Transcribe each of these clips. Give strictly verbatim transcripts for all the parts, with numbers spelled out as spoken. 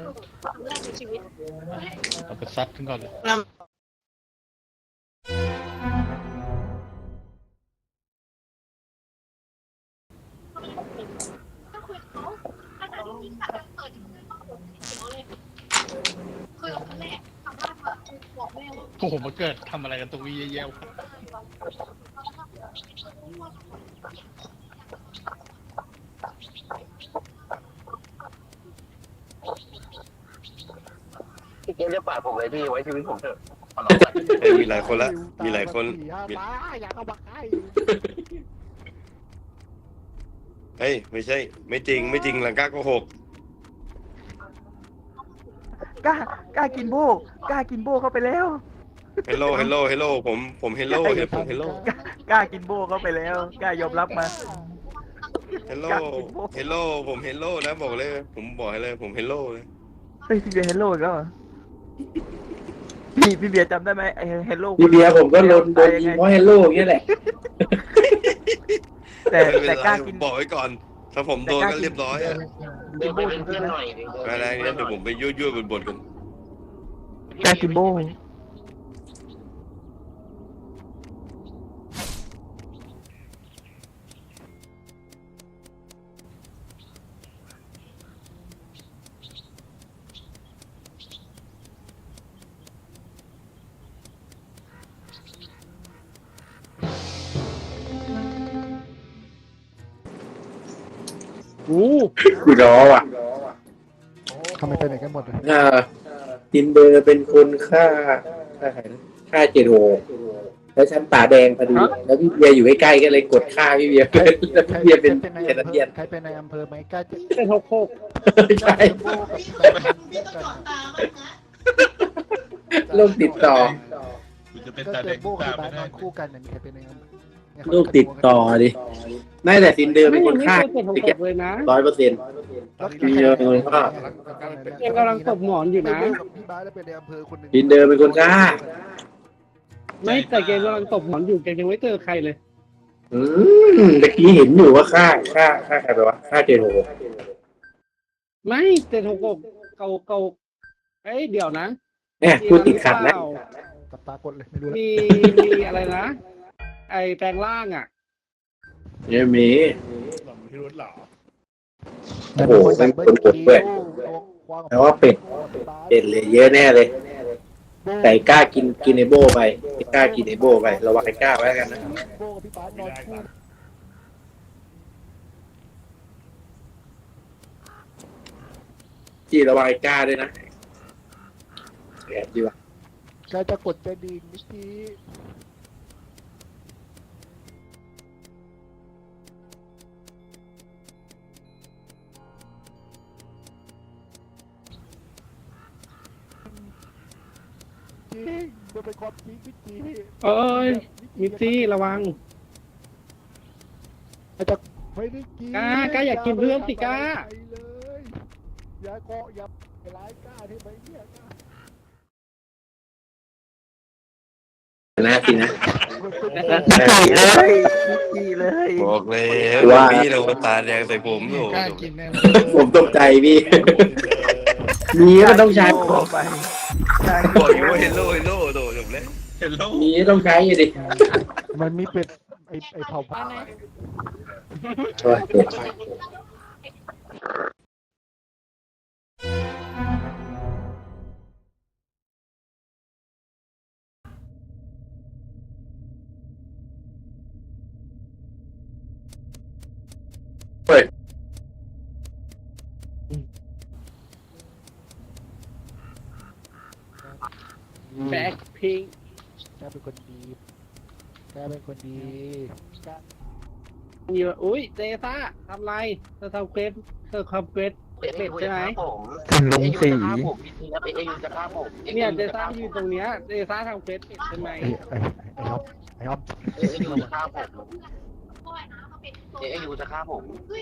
ครั้งแรกในชีวิตเอาไปซัดขึ้นก่อนเลยก็คุยกับเขาอาจารย์จริงๆค่ะเปิดคุยกับผมเขียวเลยคุยกับครั้งแรกครั้งแรกแบบบอกแม่ว่าโอ้โหมาเกิดทำอะไรกันตรงนี้เยอะๆพี่เกมจะปาดผมเลยพี่ไว้ชีวิตผมเถอะเอ้ยมีหลายคนละมีหลายคนมีอยากเอาบักไอ้เฮ้ยไม่ใช่ไม่จริงไม่จริงหลังกล้าโกหกกล้ากล้ากินโบกล้ากินโบเข้าไปแล้วเฮลโลเฮลโลเฮลโลผมผมเฮลโลเฮผมเฮลโลกล้ากล้ากินโบเข้าไปแล้วกล้ายอมรับมาเฮลโลเฮลโลผมเฮลโลนะบอกเลยผมบอกให้เลยผมเฮลโลเลยเฮ้ยพี่เบียร์เฮลโลอีกแล้วเหรอพี่พี่เบียร์จำได้ไหมไอเฮลโลพี่เบียร์ผมก็โดนโดนยิงเพราะเฮลโลอย่างเงี้ยแหละแต่ไม่เป็นแต่ไรกล้ากินบอกไว้ก่อนถ้าผมโดนก็เรียบร้อยอะเดี๋ยวไปเป็นเพื่อนหน่อยอะไรเนี่ยเดี๋ยวผมไปยั่วยั่วบนบนกันกล้ากินโบกูรอว่ะทำไมไปไหนกันหมดเลยอ่าทินเดอร์เป็นคนฆ่าฆ่าใครนะฆ่าเจโรแล้วฉันตาแดงพอดีแล้วพี่เบียร์อยู่ใกล้ๆก็เลยกดฆ่าพี่เบียร์แล้วพี่เบียร์เป็นเจนเทียนใครเป็นในอำเภอไหมกล้าจะเป็นหกหกใช่โรคติดต่อคุณจะเป็นก็ตาเจแดอง โบกับตาบ้าไม่นนได้อนคู่กันมีใครเป็นในอำเภอโรคติดต่อดิไม่แต่ทินเดอร์เป็นคนฆ่าเลยนะร้อยเปอร์เซ็นต์มีเยอะเลยฆ่ายังกำลังตบหมอนอยู่นะพี่บ้าแล้วเป็นในอำเภอคนหนึ่งทินเดอร์เป็นคนฆ่าไม่แต่เกมกำลังตบหมอนอยู่เกมยังไม่เจอใครเลยอืมเมื่อกี้เห็นอยู่ว่าฆ่าฆ่าฆ่าใครไปวะฆ่าเจโรไม่เจ็ดหกหกเก่าเก่าเอ้ยเดี๋ยวนะเนี่ยพูดติดขัดนะกับตากดเลยไม่รู้มีมีอะไรนะ ไอแปลงร่างอ่ะเนี่ยมีหล่อมพิรุธเหรอโอ้โหเป็นคนกดด้วยแต่ว่าเป็ดเป็ดเลยเยอะแน่เลยไก่กล้ากินกินไอโบไปกล้ากินไอโบไประวังไอ้กล้าไว้กันนะโบกับพี่บ้านนอนคู่จี้ระวังไอ้กล้าด้วยนะแอบดีวะกล้าจะกดใจดีเมื่อกี้จริงมันเป็นความจริงพี่จีเอ้ยมิตซี่ระวังอาจจะไม่ได้กินกล้ากล้าอยากกินเพื่อนสิกล้าไปเลยอย่าเกาะอย่าไปร้ายกล้าที่ไปเนี่ยกล้านะสินะเลยจีเลยบอกเลยพี่เราตาแดงใส่ผมโอ้กล้ากินแน่ผมตกใจพี่มีก็ต้องใช้ไปบอกอยู่ว่าเฮลโลเฮลโลโดดจบเลยเห็นแล้วมีก็ต้องใช้อยู่ดิมันมีเป็ดไอไอเผาผ้าโอ้ยเป็ดเฮ้ยแบ็คพิงกล้าเป็นคนดีกล้าเป็นคนดีกล้ามีว่าอุ้ยเจซ่าทำไรเธอทำเควสเธอทำเควสเอ็กซ์ใช่ไหมผมลงสีผมพี่ทีครับเอ็กซ์จะฆ่าผมเนี่ยเจซ่ายืนตรงเนี้ยเจซ่าทำเควสใช่ไหมไอไอไอฮอปไอฮอปเอ็กซ์ยูจะฆ่าผมเอ็กซ์ยูจะฆ่าผม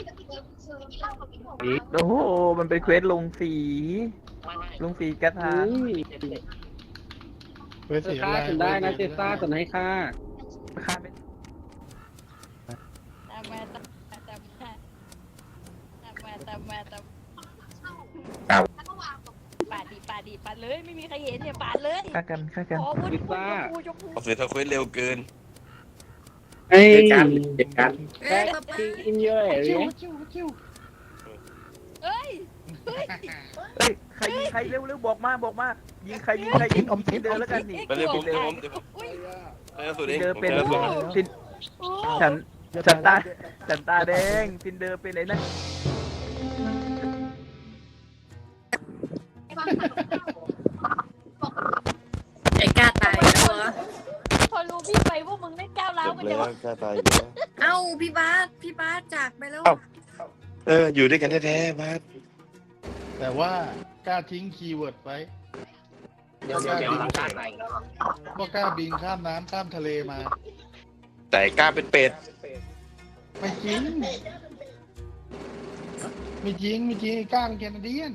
โอ้โหมันเป็นเควสลงสีไม่ไม่ลงสีกระทาอุ้ยเว้ยเธเสีอย ฆ่าแรงฉันได้นะเจซ่าฉันให้ฆ่าค่าเป็นแต่แม่แต่แต่แม่แต่แม่แต่แม่แต่ดิปาดเลยไม่มีใครเห็นเนี่ยปาดเลยฆ่ากันฆ่ากันขอวุ้นชมพูชมพูเอาเสือทาเควสเร็วเกินไอ้เด็กกันเด็กกันเอ้ยอินเยอะเลยจิ้วจิ้วจิ้วเอ้ยเฮ้ยใครยิงใครเร็วเร็วบอกมาบอกมายิงใครยิงใครยิงอมทินเดินแล้วกันนี่ไปเลยผมเดี๋ยวผมเดี๋ยวผมอุ้ยเจอสุดเองเดินผมเป็นเจอสุดทินโอ้ฉันฉันตาฉันตาแดงทินเดินเป็นไอ้นั่นไอ้กล้าตายแล้วเหรอพอรู้พี่ไปพวกมึงได้ก้าวร้าวจบกันแล้เนี่ยวกล้าตายอยู่แล้วเอ้าพี่บาสพี่บาสจากไปแล้วเอออยู่ด้วยกันแท้ๆบาสแต่ว่ากล้าทิ้งคีย์เวิร์ดไว้เดี๋ยวเดี๋ยวเดี๋ยวหลังการไหนว่ากล้าบินข้ามน้ำข้ามทะเลมาแต่กล้าเป็นเป็ดไม่จริงไม่จริงไม่จริงไอ้กล้าเป็นแคนาเดียน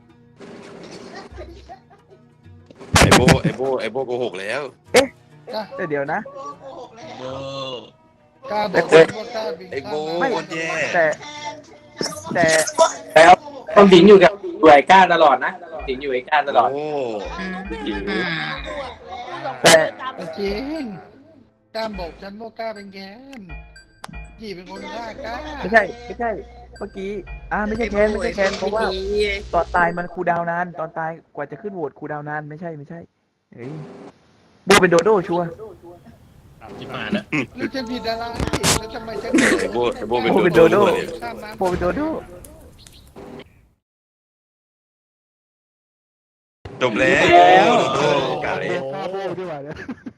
ไอโบไอโบไอโบโกหกแล้วกล้าแต่เดี๋ยวนะโบกล้าบอกว่ากล้าบินไอโบข้ามไม่โคตรแย่แต่แต่แล้วต้องสิงอยู่กับอยู่ไอ้ก้าตลอดนะสิงอยู่ไอ้ก้าตลอดโอ้แต่ไม่จริงกล้าบอกฉันว่ากล้าเป็นแกนยี่เป็นคนฆ่ากล้าไม่ใช่ไม่ใช่เมื่อกี้อ่าไม่ใช่แคนไม่ใช่แคนเพราะว่าตอนตายมันคูลดาวน์นานตอนตายกว่าจะขึ้นโหวตคูลดาวน์นานไม่ใช่ไม่ใช่เฮ้ยโบเป็นโดโด้ชัวร์ที่มาแล้วแล้วจะผิดอะไรแล้วทำไมฉันไอโบไอโบเป็นโบเป็นโดโด้ข้ามน้ำโบเป็นโดโด้จบแล้วโอ้กาเลยฆ่าโบ้ด้วยวะเนี่ย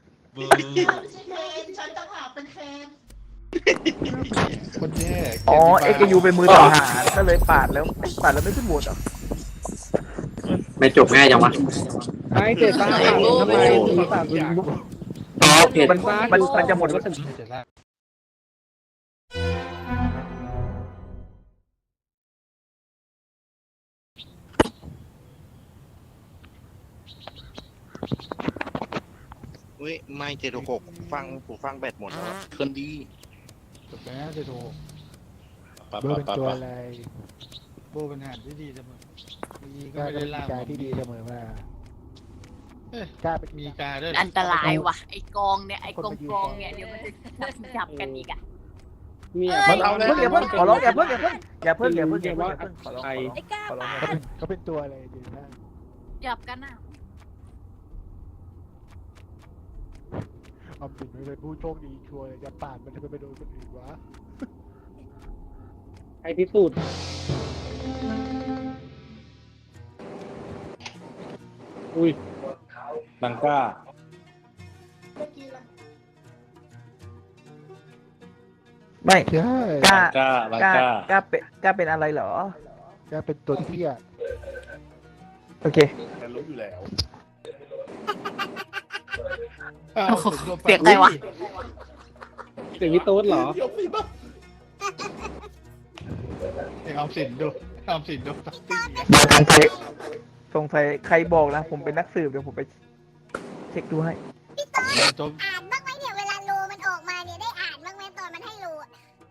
ฉันจะหาเป็นแคนคนแย่อ๋อเอ็กยูเป็นมือต่อหารก็เลยปาดแล้วปาดแล้วไม่ขึ้นโหวตเหรอไม่จบง่ายจังวะไอ้เจ็ดตาถามทำไมถึงตัดอ๋อเพจมันมันมันจะหมดแล้วเสร็จแล้วเว้ยไม่เจ็ดหกฟังหูฟังแบตหมดแล้วเคลื่อนดีจบแล้วจะโทรเบอร์เป็นตัวอะไรโบเป็นอาหารที่ดีเสมอมีก็กล้าไม่เป็ได้นล่ากายที่ดีเสมอมา กล้าเป็นมีกาด้วยอันตรายว่ะไอ้กองเนี่ยไอ้กองกองเนี่ยเดี๋ยวมันจะจับกันอีกอ่ะเนี่ยมันเอาเพิ่งอย่าเพิ่งขอร้องอย่าเพิ่งอย่าเพิ่งอย่าเพิ่งอย่าเพิ่งอย่าเพิ่งอย่าเพิ่งขอร้องไอ้ไอ้ก้าขอร้องปาดเขาเป็นตัวอะไรดีนะจับกันอ่ะออมสินไม่เป็นผู้โชคดีชัวร์เลยจะปาดมันจะไปโดนคนอื่นวะไอ้พิสูจน์ อุ้ยบังก้าไม่ใช่กล้าก้าบังกล้าก้ากล้าเป็นกล้าเป็นอะไรเหรอกล้าเป็นตัวเที่ยโอเคแต่รู้อยู่แล้วโอ้โหเสียงอะไรวะเสียงพี่โต๊ดเหรอเด็กออมสินดูออมสินดูตัดติ้งสงสัยสงสัยใครบอกนะผมเป็นนักสืบเดี๋ยวผมไปเช็คดูให้จบอ่านบ้างไหมเนี่ยเวลาโลมันออกมาเนี่ยได้อ่านบ้างไหมตอนมันให้โลอะ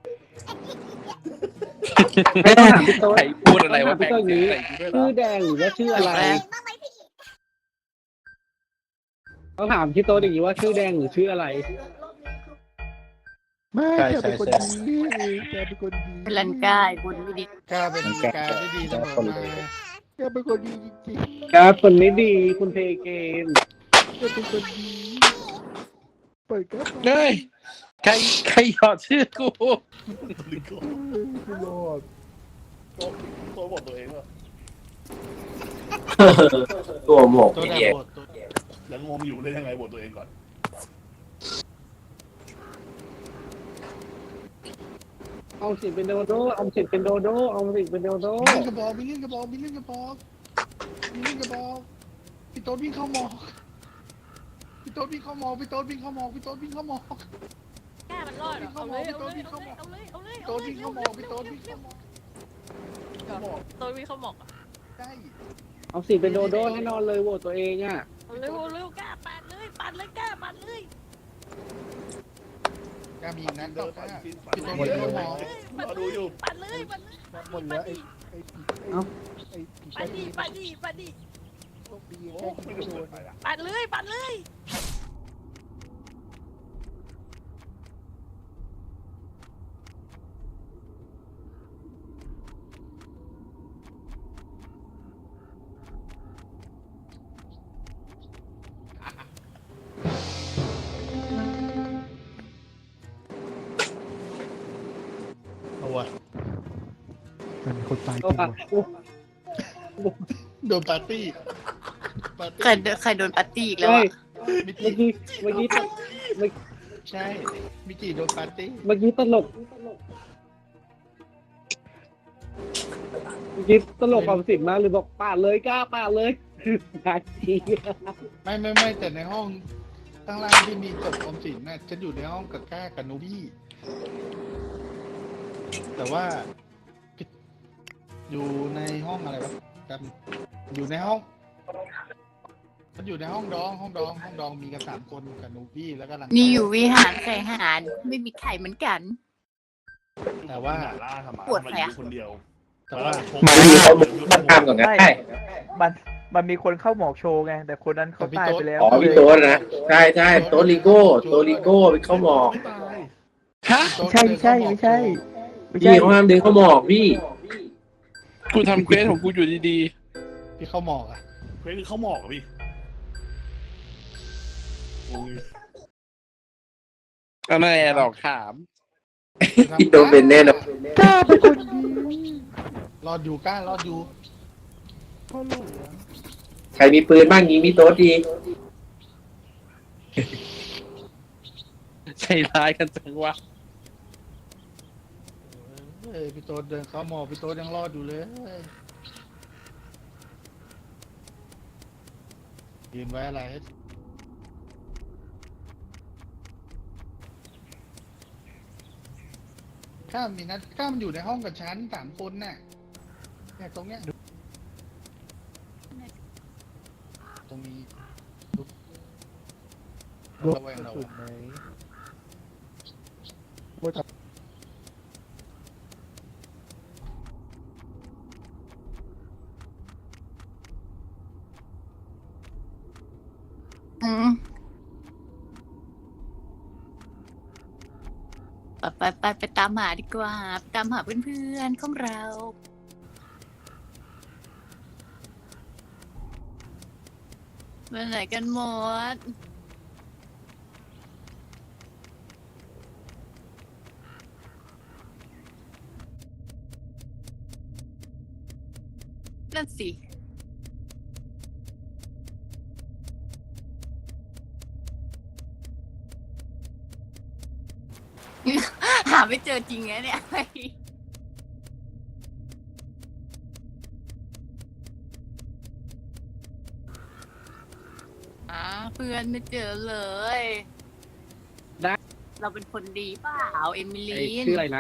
พี่โต๊ดใครพูดอะไรวะพี่โต๊ดนี้ ชื่อแดงหรือว่าชื่ออะไรเองบ้างไหมพี่ต้องถามพี่โต๊ดอย่างนี้ว่าชื่อแดงหรือชื่ออะไรไม่ใช่แกเป็นคนใช่ดีแกเป็นคนดีเป็นลันกายคนไม่ดีกล้าเป็นกาที่ดีเสมอมาแกเป็นคนดีจริงครับคนนี้ดีคุณเพเกมๆแกเป็นคนดีเปิดครับเฮ้ยใครใครหยอดชื่อกูไม่รอดตัวบอกตัวเองว่าตัวหมกตัวไอ้ดาเหี้ยบทแล้วงงอยู่ได้ยังไงบทตัวเองก่อนเอาสิเป็นโดโดเอาสิเป็นโดโดเอาสิเป็นโดโดมีเล่นกระบอกมีเล่นกระบอกมีเล่นกระบอกมีเล่นกระบอกพี่โต๊ดวิ่งเข้าหมอกพี่โต๊ดวิ่งเข้าหมอกพี่โต๊ดวิ่งเข้าหมอกพี่โต๊ดวิ่งเข้าหมอกก้ามันรอดเหรอเอาเลยเอาเลยเอาเลยเอาเลยพี่เอาโต๊ดเลยวิ่งเอาเข้าหมเลอย กพี่โต๊ดวิ่งเข้าหมอกหมอกโดนวิ่งเข้าหมอกใช่เอาสิเป็นโดโดแน่นอนเลยโหวตตัวเองอ่ะเอาเลยเอาเลยก้าปาดเลยปาดเลยก้าปาดเลยกล้ามีอีกนัดต่อกล้าพี่โต๊ดวิ่งเข้าหมอกรอดูอยู่ปาดเลยปาดเลยหมดแล้วไอ้ไอ้ผีไอ้ผีปาดดิปาดดิปาดดิโชคดีแค่ยิงไม่โดนปัดเลยปัดเลยเอาวะมันมีคนตายจเอาริงอะว่ะโดนปาร์ตี้ปาร์ตี้ใครโดนใครโดนปาร์ตี้อีกแล้วใช่อะมิเมื่อจิกี้เมื่อกี้ตเมื่อใช่มิจิโดนปาร์ตี้เมื่อกี้ตลกเมื่อกี้ตลกความสิบมากเลยบอกปาดเลยกล้าปาดเลยปาดทีไม่ไม่ไม่แต่ในห้องข้างล่างที่มีศพออมสินน่ะฉันอยู่ในห้องกับก้ากับนูบี้แต่ว่าอยู่ในห้องอะไรวะจำอยู่ในห้องมันอยู่ในห้องดองห้องดองห้องดองมีกันสามคนกับนูบี้แล้วก็หลังนี่อยู่วิหารไก่หารไม่มีไข่เหมือนกันแต่ว่าล่าทำไมปวดแผลคนเดียวแต่ว่ามาดีเขามันทำก่อนกันได้มันมันมีคนเข้าหมอกโชว์ไง แต่คนนั้นเขาตายไปแล้วอ๋อพี่โต๊ดนะใช่ใช่โต๊ดลิโก้โต๊ดลิโก้ไปเข้าหมอกไม่ตายฮะไม่ใช่ไม่ใช่ไม่ใช่ไม่พี่ใช่เขาห้ามดึงเข้าหมอกพี่กูทำเควสของกูอยู่ดีพี่เข้าหมอกอ่ะเพื่อนคือเขาหมอกอะพี่โอ้ยๆก็นั่นแหละหรอกถามพี่โต๊ดเป็นแน่นอนกล้าเป็นคนดีรอดอยู่ก้ารอดอยู่พ่อหลวงใครมีปืนบ้างยิงพี่โต๊ดดีใจร้ายกันจังวะเอ้ยพี่โต๊ดเดินเข้าหมอกพี่โต๊ดยังรอดอยู่เลยยืนไว้อะไรข้ามมีนัดข้ามมันอยู่ในห้องกับฉันสามคนน่ะเนี่ยตรงเนี้ยตรงนี้ระแวงเราสุดไหมโบทับอืมไปไปไปไปตามหาดีกว่าไปตามหาเพื่อนๆของเราไปไหนกันหมดนั่นสิ หาไม่เจอจริงไงเนี่ย อ่าเพื่อนไม่เจอเลยได้เราเป็นคนดีเปล่า เอมิไอ้ลีนชื่ออะไรนะ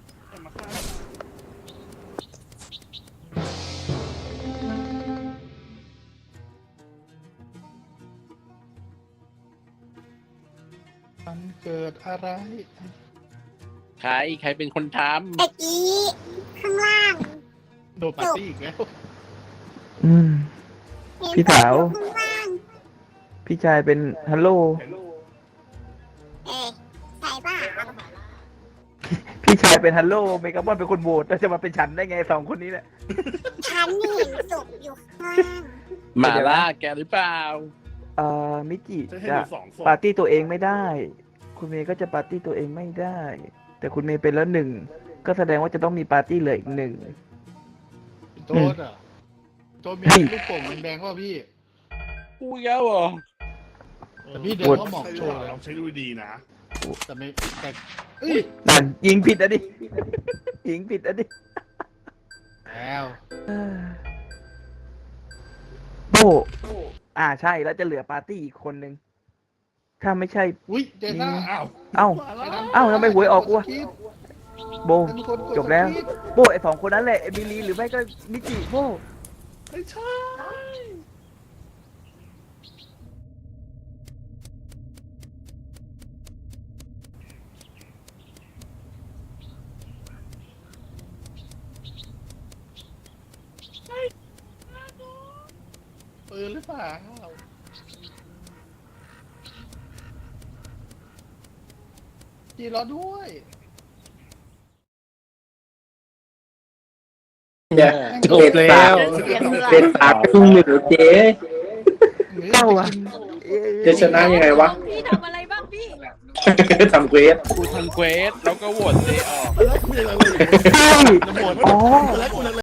มันเกิดอะไรใครใครเป็นคนทตะกี้ข้างล่างโดนปาร์ตี้อีกแล้วอืมเห็นพี่สาวข้างล่างพี่ชายเป็นฮัลโหลเอ๊ะใส่ป่ะพี่ชายเป็นฮัลโหลเมกาบอนเป็นคนโหวตแล้วจะมาเป็นฉันได้ไงสองคนนี้แหละฉันเห็นศพอยู่ข้างล่างำหมาล่าแกหรือเปล่าเอ่อมิจิจะให้จะดูสองศพปาร์ตี้ตัวเองไม่ได้ คุณเมย์ก็จะปาร์ตี้ตัวเองไม่ได้ แต่คุณเมย์เป็นแล้วหนึ่งก็แสดงว่าจะต้องมีปาร์ตี้เหลืออีกหนึ่งโต๊ดอ่ะโต๊ดมีลูกโป่งแดงๆว่าพี่กูอีกแล้วเหรอแต่พี่เดินเข้าหมอกโชว์เลยลองใช้ดูดีนะแต่ไม่แต่เอ้ยนั่นยิงผิดอ่ะดิ ยิงผิดอ่ะดิแล้วเออโบอ่าใช่แล้วจะเหลือปาร์ตี้อีกคนนึง ถ้าไม่ใช่อุ้ยเจน่าอ้าวเอ้า เอ้าทำไมหวยออกวะ โบมีคนกดจบแล้วสคริปต์โบไอสองคนนั้นแหละเอมิลีหรือไม่ก็มิจิโบไม่ใช่ปืนหรือเปล่าจีรอด้วยเนี่ยจบแล้วเป็นปากครึ่งหนึ่งเหรอเจ๊เล่าอ่ะจะชนะยังไงวะพี่ทำอะไรบ้างพี่ทำเควสกูทำเควสแล้วก็โหวตเจออกแล้วคุยอะไรเลยอ๋อ